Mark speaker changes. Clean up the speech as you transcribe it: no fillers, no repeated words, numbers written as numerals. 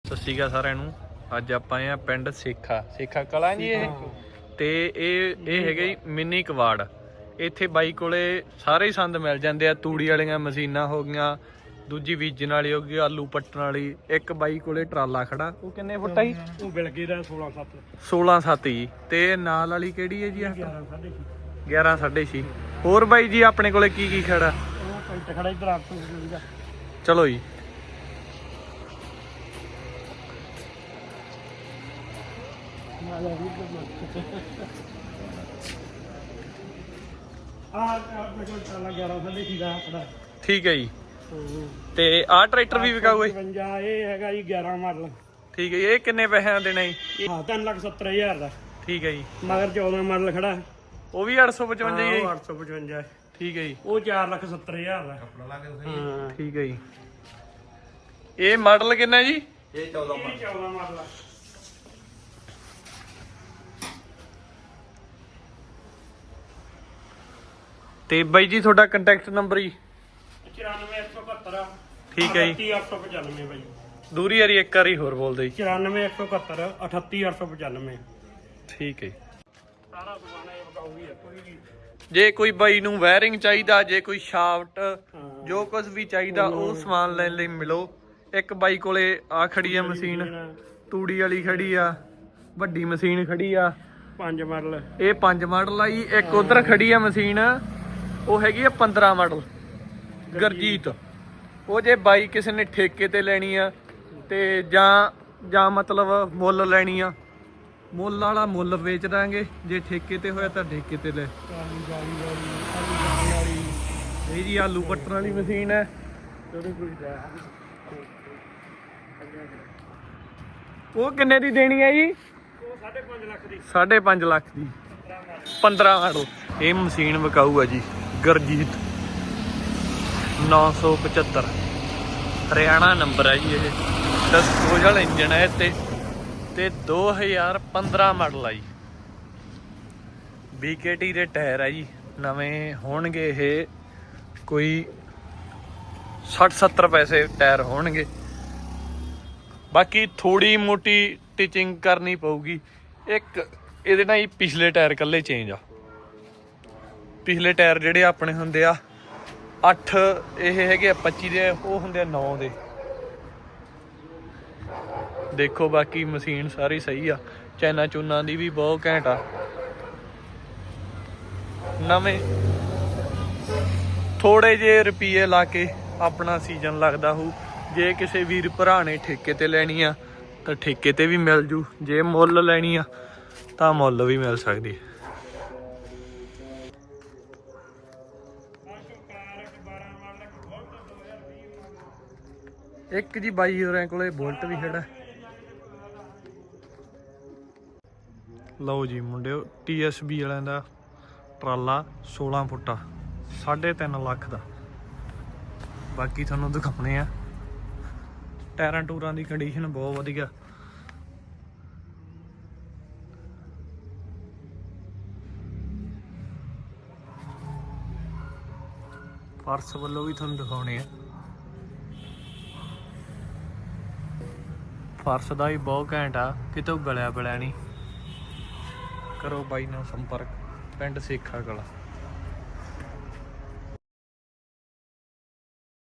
Speaker 1: ਸਤਿ ਸ਼੍ਰੀ ਅਕਾਲ ਸਾਰਿਆਂ ਨੂੰ। ਅੱਜ ਆਪਾਂ ਆਏ ਆ ਪਿੰਡ ਸੇਖਾ ਕਲਾਂ ਜੀ। ਇਹ ਹੈਗਾ ਜੀ ਮਿੰਨੀ ਕਵਾੜ। ਇੱਥੇ ਬਾਈ ਕੋਲੇ ਸਾਰੇ ਸੰਦ ਮਿਲ ਜਾਂਦੇ ਆ। ਤੂੜੀ ਵਾਲੀਆਂ ਮਸ਼ੀਨਾਂ ਹੋ ਗਈਆਂ, ਦੂਜੀ ਬੀਜਣ ਵਾਲੀ ਹੋ ਗਈ, ਆਲੂ ਪੱਟਣ ਵਾਲੀ। ਇੱਕ ਬਾਈ ਕੋਲੇ ਟਰਾਲਾ ਖੜਾ, ਉਹ ਕਿੰਨੇ ਫੁੱਟ ਆ ਜੀ?
Speaker 2: ਉਹ ਬਿਲਗੇ ਦਾ
Speaker 1: 16-7 ਜੀ। ਤੇ ਨਾਲ ਵਾਲੀ ਕਿਹੜੀ ਹੈ ਜੀ? 11.5। ਹੋਰ ਬਾਈ ਜੀ ਆਪਣੇ ਕੋਲੇ ਕੀ ਖੜਾ?
Speaker 2: ਉਹ ਖੜਾ ਇਧਰ ਆ।
Speaker 1: ਚਲੋ ਜੀ। ਠੀਕ ਹੈ ਜੀ। ਤੇ ਆਹ ਟਰੈਕਟਰ ਵੀ ਵਿਕਾਊ ਹੈ?
Speaker 2: 55 ਇਹ ਹੈਗਾ ਜੀ 11 ਮਾਡਲ।
Speaker 1: ਠੀਕ ਹੈ ਜੀ। ਇਹ ਕਿੰਨੇ ਪੈਸਿਆਂ ਦੇਣਾ ਜੀ?
Speaker 2: ਹਾਂ 3,70,000 ਦਾ।
Speaker 1: ਠੀਕ ਹੈ ਜੀ।
Speaker 2: ਮਗਰ 14 ਮਾਡਲ ਖੜਾ,
Speaker 1: ਉਹ ਵੀ 855 ਜੀ?
Speaker 2: 855।
Speaker 1: ਠੀਕ ਹੈ ਜੀ।
Speaker 2: ਉਹ 4,70,000 ਦਾ।
Speaker 1: ਠੀਕ ਹੈ ਜੀ। ਇਹ ਮਾਡਲ ਕਿੰਨਾ ਜੀ?
Speaker 2: ਇਹ 14 ਮਾਡਲ ਆ।
Speaker 1: ਤੇ ਬਾਈ ਜੀ ਤੁਹਾਡਾ ਕੰਟੈਕਟ ਨੰਬਰ ਜੀ?
Speaker 2: 94,171।
Speaker 1: ਠੀਕ ਹੈ ਜੀ।
Speaker 2: 38,895 ਬਾਈ।
Speaker 1: ਦੂਰੀ ਵਾਰੀ ਇੱਕ ਵਾਰੀ ਹੋਰ ਬੋਲਦੇ ਜੀ।
Speaker 2: 94,171 38,895।
Speaker 1: ਠੀਕ ਹੈ ਜੀ।
Speaker 2: ਸਾਰਾ ਸਮਾਨ ਇਹ ਬਕਾਊ ਹੀ ਹੈ। ਕੋਈ ਵੀ
Speaker 1: ਜੇ ਕੋਈ ਬਾਈ ਨੂੰ ਵਾਇਰਿੰਗ ਚਾਹੀਦਾ, ਜੇ ਕੋਈ ਸ਼ਾਫਟ, ਜੋ ਕੁਝ ਵੀ ਚਾਹੀਦਾ ਉਹ ਸਮਾਨ ਲੈਣ ਲਈ ਮਿਲੋ। ਇੱਕ ਬਾਈ ਕੋਲੇ ਆ ਖੜੀ ਆ ਮਸ਼ੀਨ, ਤੂੜੀ ਵਾਲੀ ਖੜੀ ਆ, ਵੱਡੀ ਮਸ਼ੀਨ ਖੜੀ ਆ।
Speaker 2: 5 ਮਾਡਲ।
Speaker 1: ਇਹ 5 ਮਾਡਲ ਆ ਜੀ। ਇੱਕ ਉਧਰ ਖੜੀ ਆ ਮਸ਼ੀਨ, ਉਹ ਹੈਗੀ ਆ 15 ਮਾਡਲ ਗਰਜੀਤ। ਉਹ ਜੇ ਬਾਈ ਕਿਸੇ ਨੇ ਠੇਕੇ ਤੇ ਲੈਣੀ ਆ ਤੇ ਜਾਂ ਮਤਲਬ ਮੁੱਲ ਲੈਣੀ ਆ, ਮੁੱਲ ਵਾਲਾ ਮੁੱਲ ਵੇਚ ਦਾਂਗੇ। ਜੇ ਠੇਕੇ ਤੇ ਹੋਇਆ ਤਾਂ ਠੇਕੇ ਤੇ ਲੈ। ਇਹ ਜੀ ਆਲੂ ਪੱਟਣ ਵਾਲੀ ਮਸ਼ੀਨ ਹੈ। ਉਹ ਕਿੰਨੇ ਦੀ ਦੇਣੀ ਹੈ ਜੀ?
Speaker 2: ਉਹ 5.5 ਲੱਖ ਦੀ।
Speaker 1: 5.5 ਲੱਖ ਦੀ 15 ਮਾਡਲ। ਇਹ ਮਸ਼ੀਨ ਵਿਕਾਊ ਹੈ ਜੀ, ਗਰਜੀਤ 975 ਹਰਿਆਣਾ ਨੰਬਰ ਹੈ ਜੀ। ਇਹ ਡਿਸਪੋਜ਼ਲ ਇੰਜਨ ਹੈ ਤੇ 2015 ਮਾਡਲ ਆ ਜੀ। BKT ਦੇ ਟਾਇਰ ਹੈ ਜੀ, ਨਵੇਂ ਹੋਣਗੇ। ਇਹ ਕੋਈ 60-70 ਪੈਸੇ ਟਾਇਰ ਹੋਣਗੇ। ਬਾਕੀ ਥੋੜੀ ਮੋਟੀ ਟਿਚਿੰਗ ਕਰਨੀ ਪਊਗੀ। ਇੱਕ ਇਹਦੇ ਨਾਲ ਹੀ ਪਿਛਲੇ ਟਾਇਰ ਕੱਲੇ ਚੇਂਜ ਆ। ਪਿਛਲੇ ਟਾਇਰ ਜਿਹੜੇ ਆਪਣੇ ਹੁੰਦੇ ਆ 8, ਇਹ ਹੈਗੇ ਆ 25 ਦੇ, ਉਹ ਹੁੰਦੇ ਆ 9 ਦੇ। ਦੇਖੋ ਬਾਕੀ ਮਸ਼ੀਨ ਸਾਰੀ ਸਹੀ ਆ। ਚੈਨਾ ਚੂਨਾ ਦੀ ਵੀ ਬਹੁਤ ਘੈਂਟ ਆ। ਨਵੇਂ ਥੋੜੇ ਜਿਹੇ ਰੁਪਏ ਲਾ ਕੇ ਆਪਣਾ ਸੀਜ਼ਨ ਲੱਗਦਾ ਹੋਊ। ਜੇ ਕਿਸੇ ਵੀਰ ਭਰਾ ਨੇ ਠੇਕੇ ਤੇ ਲੈਣੀ ਆ ਤਾਂ ਠੇਕੇ ਤੇ ਵੀ ਮਿਲ ਜੂ। ਜੇ ਮੁੱਲ ਲੈਣੀ ਆ ਤਾਂ ਮੁੱਲ ਵੀ ਮਿਲ ਸਕਦੀ ਹੈ। ਇੱਕ ਜੀ ਬਾਈ ਹੋਰਾਂ ਕੋਲੇ ਬੁਲਟ ਵੀ ਖੜਾ। ਲਓ ਜੀ ਮੁੰਡਿਓ, TSB ਵਾਲਿਆਂ ਦਾ ਟਰਾਲਾ 16 ਫੁੱਟਾ 3.5 ਲੱਖ ਦਾ। ਬਾਕੀ ਤੁਹਾਨੂੰ ਦਿਖਾਉਣੇ ਆ। ਟਾਇਰਾਂ ਟੂਰਾਂ ਦੀ ਕੰਡੀਸ਼ਨ ਬਹੁਤ ਵਧੀਆ। ਫਰਸ਼ ਵੱਲੋਂ ਵੀ ਤੁਹਾਨੂੰ ਦਿਖਾਉਣੇ ਆ। ਫਰਸ਼ ਦਾ ਵੀ ਬਹੁਤ ਘੈਂਟ ਆ, ਕਿਤੋਂ ਗਲਿਆ ਬਲਿਆ ਨਹੀਂ। ਕਰੋ ਬਾਈ ਨਾਲ ਸੰਪਰਕ, ਪਿੰਡ ਸੇਖਾ ਕਲਾਂ।